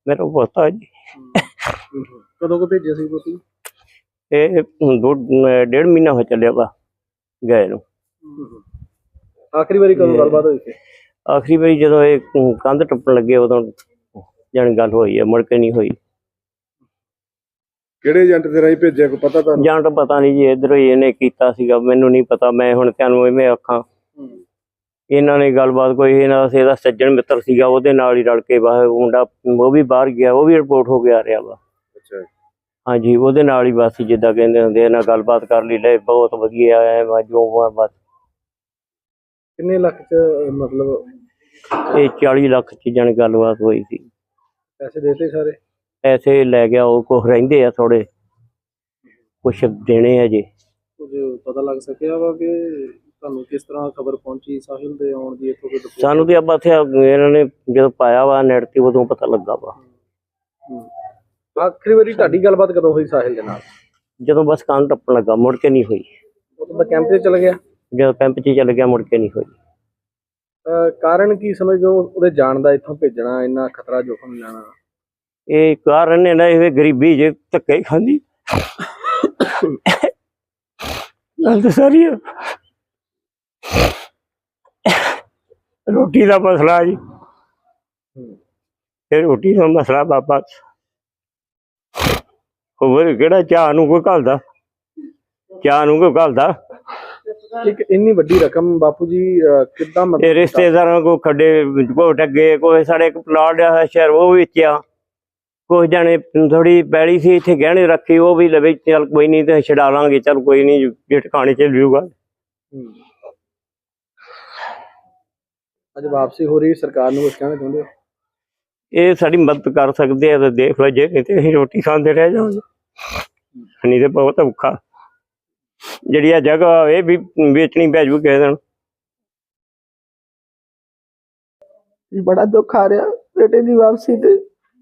मेरा पोता जी। कदों को भेजे सी पोती? ये 1.5 महीना हो चलिया वा गए नूं। आखिरी बारी कदों गलबात हुई थी? आखिरी बारी जदों ये कंध टप्पण लगे उदों जानी गल होई है, मुड़ के नहीं होई। ਕਿਹੜੇ ਏਜੰਟ ਦੇ ਰਾਹੀਂ ਭੇਜਿਆ ਕੋਈ ਪਤਾ ਤੁਹਾਨੂੰ? ਜਾਂ ਤਾਂ ਪਤਾ ਨਹੀਂ ਜੀ, ਇੱਧਰੋਂ ਹੀ ਇਹਨੇ ਕੀਤਾ ਸੀਗਾ, ਮੈਨੂੰ ਨਹੀਂ ਪਤਾ। ਮੈਂ ਹੁਣ ਤੁਹਾਨੂੰ ਇਵੇਂ ਆਖਾਂ, ਇਹਨਾਂ ਨੇ ਗੱਲਬਾਤ ਕੋਈ ਇਹਨਾਂ ਦਾ ਇਹਦਾ ਸੱਜਣ ਮਿੱਤਰ ਸੀਗਾ, ਉਹਦੇ ਨਾਲ ਹੀ ਰਲ ਕੇ ਬਸ ਮੁੰਡਾ ਉਹ ਵੀ ਬਾਹਰ ਗਿਆ, ਉਹ ਵੀ ਰਿਪੋਰਟ ਹੋ ਕੇ ਆ ਰਿਹਾ ਵਾ। ਅੱਛਾ, ਹਾਂਜੀ, ਉਹਦੇ ਨਾਲ ਹੀ ਬਸ ਜਿੱਦਾਂ ਕਹਿੰਦੇ ਹੁੰਦੇ ਇਹਨਾਂ ਗੱਲਬਾਤ ਕਰ ਲਈ, ਲੈ ਬਹੁਤ ਵਧੀਆ ਹੈ ਜੋ ਬਸ। ਕਿੰਨੇ ਲੱਖ ਚ ਮਤਲਬ ਇਹ 40 ਲੱਖ ਚ ਜਾਣੀ ਗੱਲਬਾਤ ਹੋਈ ਸੀ। ਪੈਸੇ ਦੇਤੇ ਸਾਰੇ? ਪੈਸੇ ਲੈ ਗਿਆ ਉਹ, ਕੁਛ ਰਹਿੰਦੇ ਆ ਥੋੜੇ, ਕੁਛ ਦੇਣੇ ਆ ਜੀ। ਕੁਝ ਪਤਾ ਲੱਗ ਸਕਿਆ ਵਾ ਕਿ ਤੁਹਾਨੂੰ ਕਿਸ ਤਰ੍ਹਾਂ ਖਬਰ ਪਹੁੰਚੀ ਸਾਹਿਲ ਦੇ ਆਉਣ ਦੀ? ਇੱਥੋਂ ਕੋਈ ਸਾਨੂੰ ਤੇ ਆਪਾਂ ਇੱਥੇ ਇਹਨਾਂ ਨੇ ਜਦੋਂ ਪਾਇਆ ਵਾ ਨੈਟ ਤੇ ਉਦੋਂ ਪਤਾ ਲੱਗਾ ਵਾ। ਆਖਰੀ ਵਾਰੀ ਤੁਹਾਡੀ ਗੱਲਬਾਤ ਕਦੋਂ ਹੋਈ ਸਾਹਿਲ ਦੇ ਨਾਲ? ਜਦੋਂ ਬਸ ਕੰਨ ਟੱਪਣ ਲੱਗਾ, ਮੁੜ ਕੇ ਨਹੀਂ ਹੋਈ। ਉਦੋਂ ਦਾ ਕੈਂਪ ਤੇ ਚਲ ਗਿਆ? ਜਦੋਂ ਕੈਂਪ 'ਚ ਚੱਲ ਗਿਆ ਮੁੜ ਕੇ ਨਹੀਂ ਹੋਈ। ਕਾਰਨ ਕੀ ਸਮਝਦੇ ਹੋ ਉਹਦੇ ਜਾਣ ਦਾ, ਇੱਥੋਂ ਭੇਜਣਾ, ਇੰਨਾ ਖਤਰਾ ਜੋਖਮ ਲੈਣਾ? ਇਹ ਕਾਰਨ ਨੇ ਨਾ ਇਹ ਗਰੀਬੀ ਜੇ ਧੱਕੇ ਹੀ ਖਾਂਦੀ ਗੱਲ ਤਾਂ ਸਾਰੀ ਆ। ਰੋਟੀ ਦਾ ਮਸਲਾ ਜੀ, ਇਹ ਰੋਟੀ ਦਾ ਮਸਲਾ ਬਾਬਾ। ਹੋਰ ਕਿਹੜਾ ਚਾਹ ਨੂੰ ਕੋਈ ਘੱਲਦਾ, ਚਾਹ ਨੂੰ ਕੋਈ ਘੱਲਦਾ। ਇੱਕ ਇੰਨੀ ਵੱਡੀ ਰਕਮ ਬਾਪੂ ਜੀ ਕਿੱਦਾਂ ਇਹ ਰਿਸ਼ਤੇਦਾਰਾਂ ਕੋ ਖੱਡੇ ਕੋ ਟੱਗੇ, ਕੋਈ ਸਾਡੇ ਇੱਕ ਪਲਾਟ ਆ ਸ਼ਹਿਰ ਉਹ ਵੇਚਿਆ, ਕੁਛ ਜਾਣੇ ਥੋੜੀ ਪੈਲੀ ਸੀ ਇੱਥੇ ਗਹਿਣੇ ਰੱਖੀ, ਉਹ ਵੀ ਲਵੇ ਚੱਲ ਕੋਈ ਨਹੀਂ ਤੇ ਛਡਾ ਲਾਂਗੇ, ਚੱਲ ਕੋਈ ਨਹੀਂ ਜੇ ਟਿਕਾਣੇ ਚ ਲਿਊਗਾ। ਅੱਜ ਵਾਪਸੀ ਹੋ ਰਹੀ, ਸਰਕਾਰ ਨੂੰ ਕੁਛ ਕਹਿਣਾ ਚਾਹੁੰਦੇ ਹੋ? ਇਹ ਸਾਡੀ ਮਦਦ ਕਰ ਸਕਦੇ ਆ ਤਾਂ ਦੇਖ ਲਓ, ਜੇ ਨਹੀਂ ਤੇ ਅਸੀਂ ਰੋਟੀ ਖਾਂਦੇ ਰਹਿ ਜਾਵਾਂਗੇ, ਨਹੀਂ ਤੇ ਬਹੁਤ ਔਖਾ। ਜਿਹੜੀ ਆ ਜਗ੍ਹਾ ਇਹ ਵੀ ਵੇਚਣੀ ਪੈ ਜੂ ਕਿਸੇ ਦਿਨ। बड़ा दुख आ रहा बेटे की वापसी ते।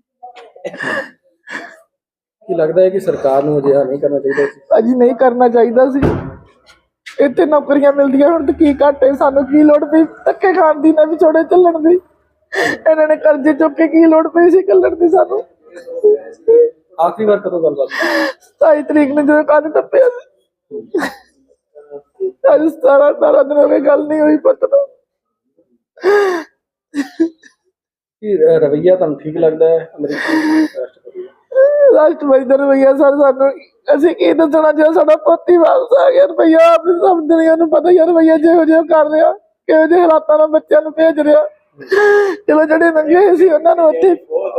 ਕੀ ਲੱਗਦਾ ਹੈ ਕਿ ਸਰਕਾਰ ਨੂੰ ਅਜਿਹਾ ਨਹੀਂ ਕਰਨਾ ਚਾਹੀਦਾ ਸੀ? अजी नहीं करना चाहिए सी। इतने नौकरियां मिलदियां हुण ते की घट है, सानू की लोड़ पई धक्के खाण दी, ना विछोड़े चलण दी। इन्हां ने कर्जे चुक के की लोड़ पई सी कलण दी सानू। ਆਖਰੀ ਵਾਰ ਕਦੋਂ ਗੱਲਬਾਤ? 27 तरीक ने जो कंध टप्पिया अज 17 दिन हो गए, गल नहीं हुई पुत्त नूं। ਕੀ ਰਵੱਈਆ ਤੁਹਾਨੂੰ ਠੀਕ ਲੱਗਦਾ ਹੈ ਅਮਰੀਕੀ ਰਾਸ਼ਟਰਪਤੀ ਦਾ? राष्ट्रपति का रवैया सर सानू असीं की दसना, जो साडा पोती वापस आ गया रवैया आप सब दुनिया नूं पता ही है रवैया जिहो जिहो कर रहा, किहो जिहे हालातां नाल बच्चों नूं भेज रहा। चलो जिहड़े नंगे सी उन्हां नूं उत्थे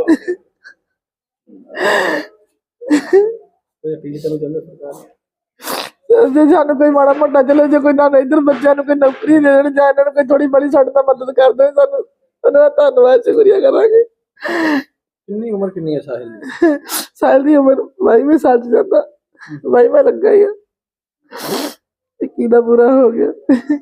ਕੋਈ ਅਪੀਲ ਕਰਨਾ ਚਾਹੁੰਦੇ ਸਰਕਾਰ? जे सानू कोई माड़ा मोटा चलो जो कोई ना इधर बच्चों नूं कोई नौकरी दे देण, जां इन्हां नूं कोई थोड़ी बड़ी साडे नाल मदद कर दे, सानू उन्हां दा धन्नवाद शुक्रिया करांगे। ਕਿੰਨੀ ਉਮਰ ਕਿੰਨੀ ਹੈ ਸਾਹਿਲ ਦੀ? साल की उम्र भाई में 60 जाता, भाई में लग गई है कीदा बुरा हो गया।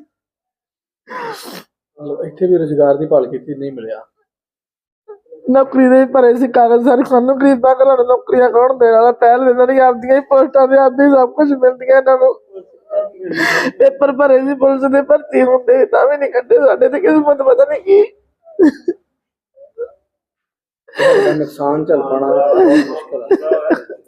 ਮਤਲਬ ਇੱਥੇ ਵੀ ਰੁਜ਼ਗਾਰ ਦੀ ਭਾਲ ਕੀਤੀ, ਨਹੀਂ ਮਿਲਿਆ। नौकरी दे भरे से कागज सारे खानों गरीबां घरां नूं नौकरियां कौन देण वाला? पहल देना नहीं, आपदियां ही पोस्टां ते आपदी सब कुछ मिलदियां इन्हां नूं। पेपर भरे सी पुलिस दे भर्ती हुंदे तां भी नहीं कड्डे, साडे ते किस्मत पता नहीं की। नुकसान झेल पाना बहुत मुश्किल है।